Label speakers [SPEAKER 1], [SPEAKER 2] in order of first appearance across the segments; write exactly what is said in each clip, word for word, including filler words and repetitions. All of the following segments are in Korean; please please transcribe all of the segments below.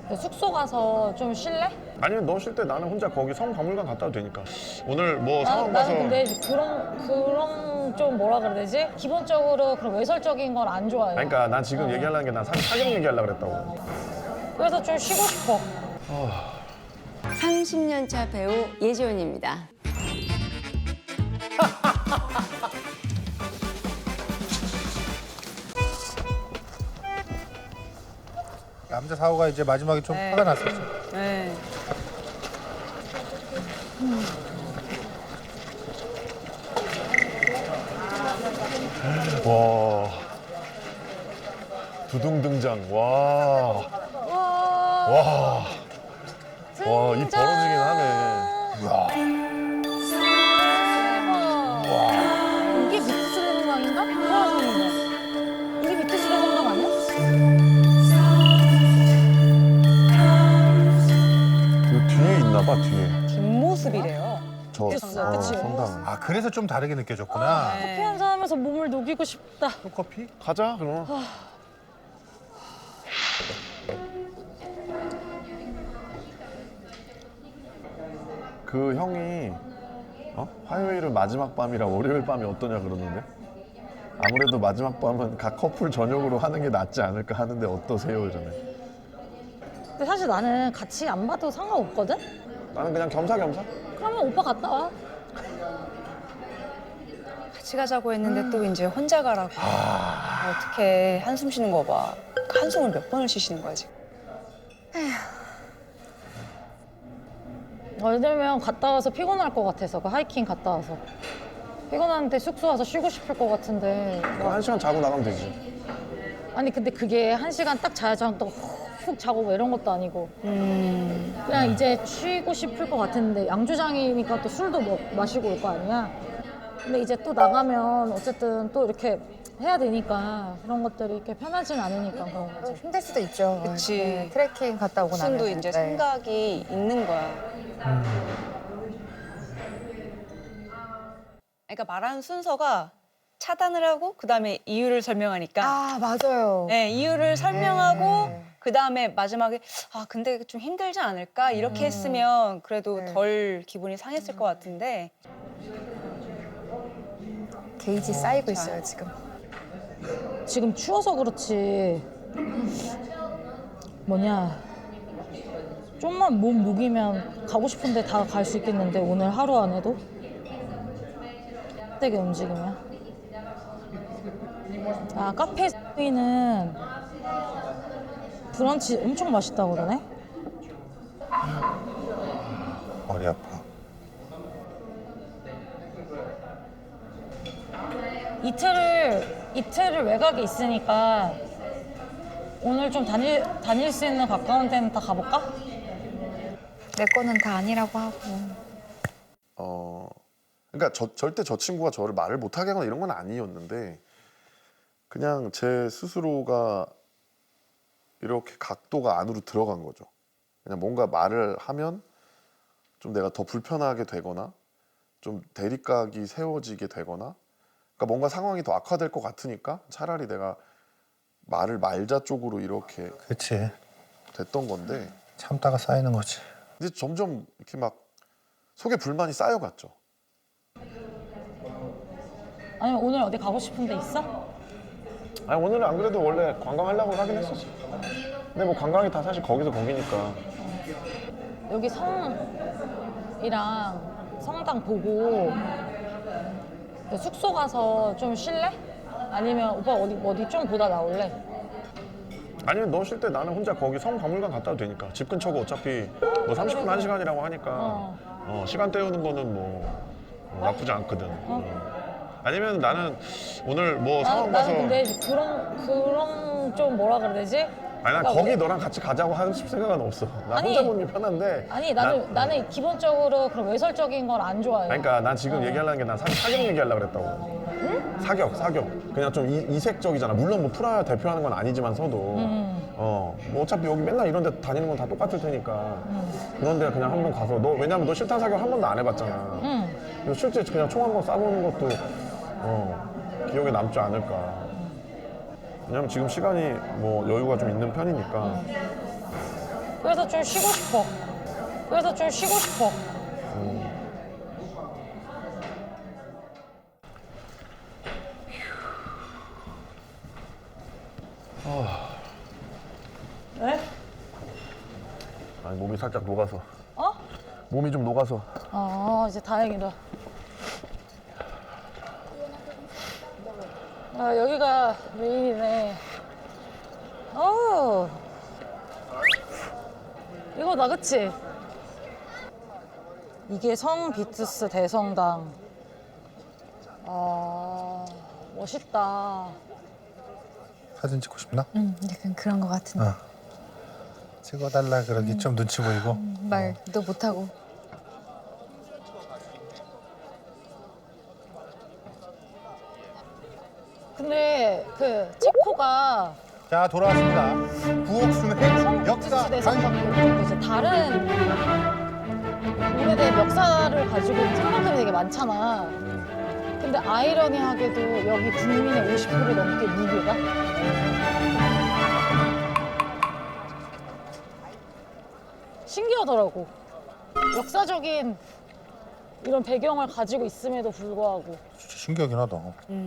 [SPEAKER 1] 숙소 가서 좀 쉴래?
[SPEAKER 2] 아니면 너 쉴 때 나는 혼자 거기 성박물관 갔다 와도 되니까. 오늘 뭐
[SPEAKER 1] 나,
[SPEAKER 2] 상황 봐서.
[SPEAKER 1] 나는 근데 그런 그런 좀 뭐라 그래야 되지? 기본적으로 그런 외설적인 걸 안 좋아해.
[SPEAKER 2] 아니, 그러니까 난 지금 얘기하려는 게 난 사격 얘기하려고 그랬다고.
[SPEAKER 1] 그래서 좀 쉬고 싶어.
[SPEAKER 3] 삼십 년 차 배우 예지원입니다.
[SPEAKER 4] 남자 사고가 이제 마지막에 좀
[SPEAKER 5] 네.
[SPEAKER 4] 화가 났었죠.
[SPEAKER 5] 네.
[SPEAKER 2] 와. 두둥 등장. 와.
[SPEAKER 1] 와.
[SPEAKER 2] 와. 와, 입 벌어지긴 하네.
[SPEAKER 4] 이야.
[SPEAKER 1] 이게 미트스 대공강인가? 이상한데. 이게 미트스 대공강 아니야?
[SPEAKER 2] 그 뒤에 있나 봐, 뒤에.
[SPEAKER 5] 뒷모습이래요.
[SPEAKER 2] 저
[SPEAKER 1] 있어, 그치?
[SPEAKER 2] 성당.
[SPEAKER 4] 아 그래서 좀 다르게 느껴졌구나.
[SPEAKER 5] 네.
[SPEAKER 1] 커피 한잔 하면서 몸을 녹이고 싶다.
[SPEAKER 4] 또 커피?
[SPEAKER 2] 가자, 그럼. 그 형이 어? 화요일은 마지막 밤이라 월요일 밤이 어떠냐 그러는데 아무래도 마지막 밤은 각 커플 저녁으로 하는 게 낫지 않을까 하는데 어떠세요? 이러네.
[SPEAKER 1] 근데 사실 나는 같이 안 봐도 상관없거든?
[SPEAKER 2] 나는 그냥 겸사겸사.
[SPEAKER 1] 그러면 오빠 갔다 와.
[SPEAKER 5] 같이 가자고 했는데 또 이제 혼자 가라고. 어떻게 한숨 쉬는 거 봐. 한숨을 몇 번을 쉬시는 거야 지금.
[SPEAKER 1] 예를 들면 갔다 와서 피곤할 것 같아서 그 하이킹 갔다 와서 피곤한데 숙소 와서 쉬고 싶을 것 같은데
[SPEAKER 2] 그럼 한 시간 자고 나가면 되지.
[SPEAKER 1] 아니 근데 그게 한 시간 딱 자야지 또 훅 자고 뭐 이런 것도 아니고
[SPEAKER 5] 음.
[SPEAKER 1] 그냥 이제 쉬고 싶을 것 같은데 양조장이니까 또 술도 뭐 마시고 올 거 아니야. 근데 이제 또 나가면 어쨌든 또 이렇게 해야 되니까 그런 것들이 이렇게 편하진 않으니까 그런 거지.
[SPEAKER 6] 힘들 수도 있죠.
[SPEAKER 5] 그치.
[SPEAKER 6] 네, 트레킹 갔다 오고 나면.
[SPEAKER 5] 무슨도 이제 생각이 있는 거야. 그러니까 말하는 순서가 차단을 하고 그다음에 이유를 설명하니까
[SPEAKER 6] 아 맞아요.
[SPEAKER 5] 네, 이유를 설명하고
[SPEAKER 6] 네.
[SPEAKER 5] 그다음에 마지막에 아 근데 좀 힘들지 않을까 이렇게 했으면 그래도
[SPEAKER 6] 네.
[SPEAKER 5] 덜 기분이 상했을 것 같은데
[SPEAKER 6] 게이지 쌓이고 있어요 지금.
[SPEAKER 1] 지금 추워서 그렇지 뭐냐 좀만 몸 녹이면 가고 싶은데 다 갈 수 있겠는데 오늘 하루 안에도 되게 움직이면 아 카페는 브런치 엄청 맛있다고 그러네.
[SPEAKER 4] 머리 아파.
[SPEAKER 1] 이틀을 이틀을 외곽에 있으니까 오늘 좀 다닐 다닐 수 있는 가까운 데는 다 가볼까?
[SPEAKER 6] 내 거는 다 아니라고 하고.
[SPEAKER 2] 어, 그러니까 저, 절대 저 친구가 저를 말을 못하게 하거나 이런 건 아니었는데 그냥 제 스스로가 이렇게 각도가 안으로 들어간 거죠. 그냥 뭔가 말을 하면 좀 내가 더 불편하게 되거나 좀 대립각이 세워지게 되거나 그러니까 뭔가 상황이 더 악화될 것 같으니까 차라리 내가 말을 말자 쪽으로 이렇게
[SPEAKER 4] 그렇지.
[SPEAKER 2] 됐던 건데
[SPEAKER 4] 참다가 쌓이는 거지.
[SPEAKER 2] 이제 점점 이렇게 막 속에 불만이 쌓여갔죠.
[SPEAKER 1] 아니면 오늘 어디 가고 싶은 데 있어?
[SPEAKER 2] 아니 오늘은 안 그래도 원래 관광하려고 하긴 했었어. 근데 뭐 관광이 다 사실 거기서 거기니까.
[SPEAKER 1] 여기 성이랑 성당 보고 숙소 가서 좀 쉴래? 아니면 오빠 어디 어디 좀 보다 나올래?
[SPEAKER 2] 아니면 너 쉴 때 나는 혼자 거기 성박물관 갔다 와도 되니까. 집 근처고 어차피 뭐 삼십 분, 한 시간이라고 하니까
[SPEAKER 1] 어.
[SPEAKER 2] 어, 시간 때우는 거는 뭐 어, 나쁘지 않거든. 어. 아니면 나는 오늘 뭐
[SPEAKER 1] 나,
[SPEAKER 2] 상황 봐서
[SPEAKER 1] 나는 근데 그런 그런 좀 뭐라 그래야 되지?
[SPEAKER 2] 아니 난
[SPEAKER 1] 그러니까
[SPEAKER 2] 거기
[SPEAKER 1] 뭐-
[SPEAKER 2] 너랑 같이 가자고 할 생각은 없어. 나
[SPEAKER 1] 아니,
[SPEAKER 2] 혼자 보는 게 편한데.
[SPEAKER 1] 아니 나는
[SPEAKER 2] 난-
[SPEAKER 1] 나는 기본적으로 그런 외설적인 걸 안 좋아해.
[SPEAKER 2] 아니, 그러니까 난 지금 얘기하려는 게 난 사격 얘기하려고 그랬다고.
[SPEAKER 1] 응?
[SPEAKER 2] 사격, 사격. 그냥 좀 이, 이색적이잖아. 물론 뭐 프라하 대표하는 건 아니지만서도.
[SPEAKER 1] 음.
[SPEAKER 2] 어, 뭐 어차피 여기 맨날 이런 데 다니는 건 다 똑같을 테니까.
[SPEAKER 1] 음.
[SPEAKER 2] 그런 데 그냥 한번 가서 너 왜냐면 너 실탄 사격 한 번도 안 해봤잖아.
[SPEAKER 1] 응.
[SPEAKER 2] 그래서 실제 그냥 총 한 번 쏴보는 것도 어, 기억에 남지 않을까. 왜냐면 지금 시간이 뭐 여유가 좀 있는 편이니까.
[SPEAKER 1] 그래서 좀 쉬고 싶어. 그래서 좀 쉬고 싶어. 왜?
[SPEAKER 2] 아니 몸이 살짝 녹아서.
[SPEAKER 1] 어?
[SPEAKER 2] 몸이 좀 녹아서.
[SPEAKER 1] 아, 이제 다행이다. 아, 여기가 메인이네. 어. 이거다, 그치? 이게 성비투스 대성당. 아, 멋있다.
[SPEAKER 4] 사진 찍고 싶나?
[SPEAKER 6] 응, 약간 그런 거 같은데.
[SPEAKER 4] 어. 찍어달라 그러기 좀 눈치 보이고.
[SPEAKER 6] 말도 못하고.
[SPEAKER 1] 근데 그 체코가
[SPEAKER 4] 자 돌아왔습니다. 부엌순의 역사
[SPEAKER 1] 성비투스 대성당도 좀 이제 다른 오래된 역사를 가지고 있는 성당들이 되게 많잖아. 근데 아이러니하게도 여기 국민의 오십 퍼센트 넘게 무교다. 신기하더라고. 역사적인 이런 배경을 가지고 있음에도 불구하고.
[SPEAKER 4] 진짜 신기하긴 하다.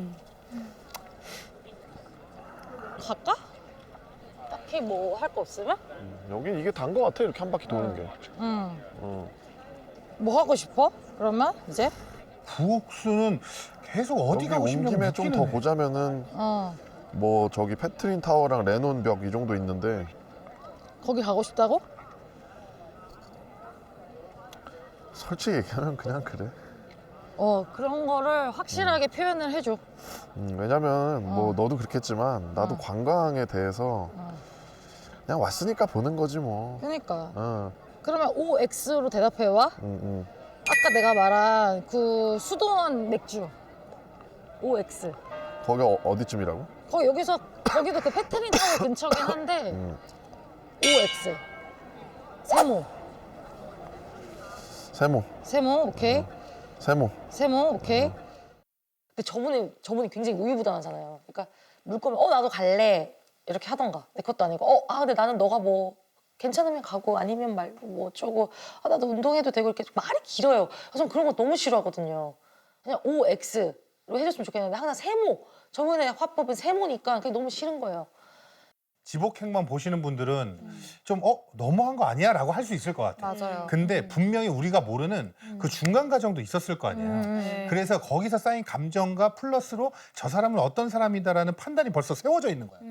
[SPEAKER 1] 갈까? 딱히 뭐 할 거 없으면?
[SPEAKER 2] 여긴 이게 단 거 같아 이렇게 한 바퀴 도는 게.
[SPEAKER 1] 응.
[SPEAKER 2] 어.
[SPEAKER 1] 뭐 하고 싶어? 그러면 이제?
[SPEAKER 4] 부엌순은 계속 어디
[SPEAKER 2] 여기
[SPEAKER 4] 가고
[SPEAKER 2] 온
[SPEAKER 4] 싶냐고
[SPEAKER 2] 김에 좀 더
[SPEAKER 4] 묻기는 해.
[SPEAKER 2] 보자면은
[SPEAKER 1] 어.
[SPEAKER 2] 뭐 저기 페트린 타워랑 레논 벽 이 정도 있는데
[SPEAKER 1] 거기 가고 싶다고?
[SPEAKER 2] 솔직히 얘기하면 그냥 그래.
[SPEAKER 1] 어, 그런 거를 확실하게 표현을 해줘.
[SPEAKER 2] 음, 왜냐면 뭐
[SPEAKER 1] 어.
[SPEAKER 2] 너도 그렇겠지만 나도
[SPEAKER 1] 어.
[SPEAKER 2] 관광에 대해서
[SPEAKER 1] 어.
[SPEAKER 2] 그냥 왔으니까 보는 거지 뭐.
[SPEAKER 1] 그러니까.
[SPEAKER 2] 어,
[SPEAKER 1] 그러면 오 엑스로 대답해와.
[SPEAKER 2] 음, 음.
[SPEAKER 1] 아까 내가 말한 그 수도원 맥주. 오 엑스.
[SPEAKER 2] 거기 어, 어디쯤이라고?
[SPEAKER 1] 거기 여기서 거기도 그 페트린 타워 근처긴 한데
[SPEAKER 2] 음.
[SPEAKER 1] 오 엑스. 세모.
[SPEAKER 2] 세모,
[SPEAKER 1] 세모 오케이.
[SPEAKER 2] 세모.
[SPEAKER 1] 세모 오케이. 근데 저분이 저분이 굉장히 우유부단하잖아요. 그러니까 물 거면 어 나도 갈래 이렇게 하던가. 내 것도 아니고 어 아 근데 나는 너가 뭐 괜찮으면 가고 아니면 말고 뭐 어쩌고 아 나도 운동해도 되고 이렇게 말이 길어요. 그래서 저는 그런 거 너무 싫어하거든요. 그냥 오 엑스로 해줬으면 좋겠는데 항상 세모. 저번에 화법은 세모니까 그게 너무 싫은 거예요.
[SPEAKER 4] 지복행만 보시는 분들은 좀 어 너무한 거 아니야? 라고 할 수 있을 것 같아.
[SPEAKER 6] 맞아요.
[SPEAKER 4] 근데 분명히 우리가 모르는 그 중간 과정도 있었을 거 아니야.
[SPEAKER 5] 네.
[SPEAKER 4] 그래서 거기서 쌓인 감정과 플러스로 저 사람은 어떤 사람이다라는 판단이 벌써 세워져 있는 거야.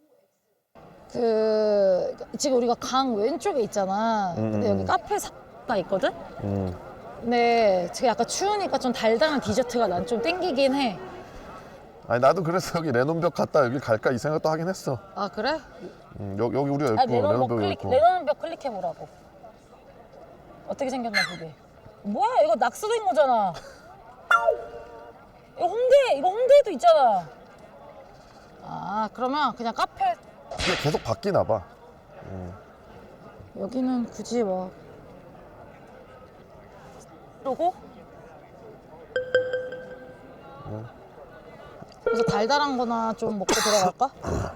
[SPEAKER 1] 그 지금 우리가 강 왼쪽에 있잖아. 근데
[SPEAKER 2] 음.
[SPEAKER 1] 여기 카페가 있거든.
[SPEAKER 2] 음.
[SPEAKER 1] 근데 지금 약간 추우니까 좀 달달한 디저트가 난 좀 땡기긴 해.
[SPEAKER 2] 아니 나도 그래서 여기 레논 벽 갔다 여기 갈까 이 생각도 하긴 했어.
[SPEAKER 1] 아 그래?
[SPEAKER 2] 음, 여기, 여기 우리가
[SPEAKER 1] 아
[SPEAKER 2] 있고
[SPEAKER 1] 레논
[SPEAKER 2] 레논
[SPEAKER 1] 벽
[SPEAKER 2] 벽이
[SPEAKER 1] 클릭
[SPEAKER 2] 있고.
[SPEAKER 1] 레논 벽 클릭해 보라고. 어떻게 생겼나 보게. 뭐야 이거 낙서된 거잖아. 이거 홍대 이거 홍대에도 있잖아. 아 그러면 그냥 카페
[SPEAKER 2] 이게 계속 바뀌나 봐.
[SPEAKER 1] 여기는 굳이 뭐 그러고 그래서 달달한 거나 좀 먹고 들어갈까?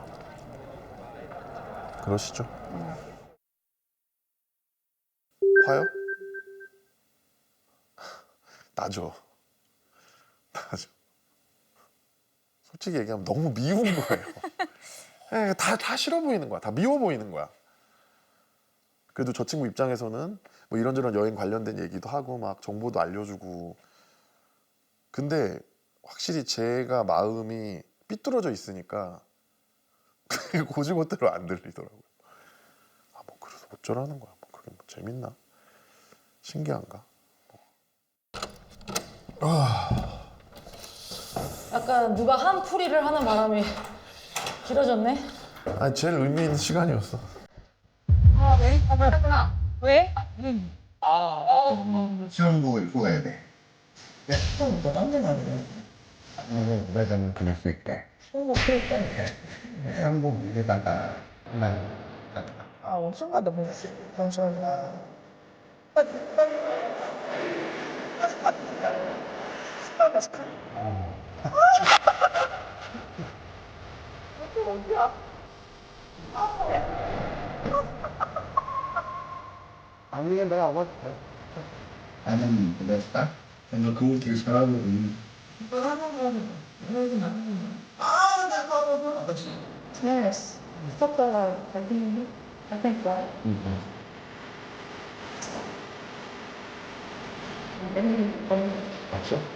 [SPEAKER 2] 그러시죠. 화요? 나죠. 나죠. 솔직히 얘기하면 너무 미운 거예요. 에, 다, 다 싫어 보이는 거야. 다 미워 보이는 거야. 그래도 저 친구 입장에서는 뭐 이런저런 여행 관련된 얘기도 하고 막 정보도 알려주고. 근데 확실히 제가 마음이 삐뚤어져 있으니까 그게 고지고대로 안 들리더라고요. 아, 뭐 그래서 어쩌라는 거야. 뭐 그게 뭐 재밌나? 신기한가?
[SPEAKER 1] 약간 누가 한 풀이를 하는 바람이 길어졌네.
[SPEAKER 2] 아니 제일 의미 있는 시간이었어.
[SPEAKER 1] 왜?
[SPEAKER 7] 시험 보고 읽고 가야 돼. 네? 그럼 너 딴데 가야 돼. 매장은 그럴 수 있대. 어, 그럴까? 시험 보고 이제다가 난 아, 엄청 가다 보니 감사합니다. 어디야? 아니 내가 아마 나는 그랬다. 내가 그거 되게 잘하거든.
[SPEAKER 6] Yes. Stop the I think I think that.
[SPEAKER 7] 맞죠?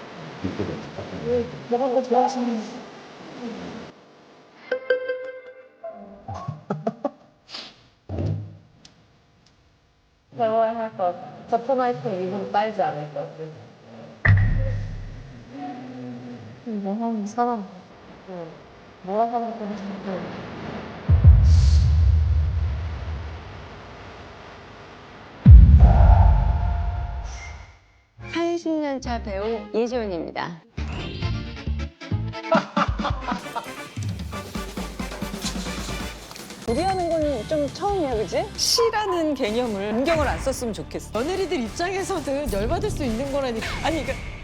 [SPEAKER 6] 먹은 거 좋아하시는 대화를 할거 저토마이트 이분 빨지 않을 것 같아. 뭐 하는 사람? 뭐라 하는 건지.
[SPEAKER 3] 팔십 년 차 배우 예지원입니다.
[SPEAKER 5] 요리하는 건 좀 처음이야, 그지? 시라는 개념을 안경을 안 썼으면 좋겠어.
[SPEAKER 1] 며느리들 입장에서는 열받을 수 있는 거라니까.
[SPEAKER 5] 아니, 그러니까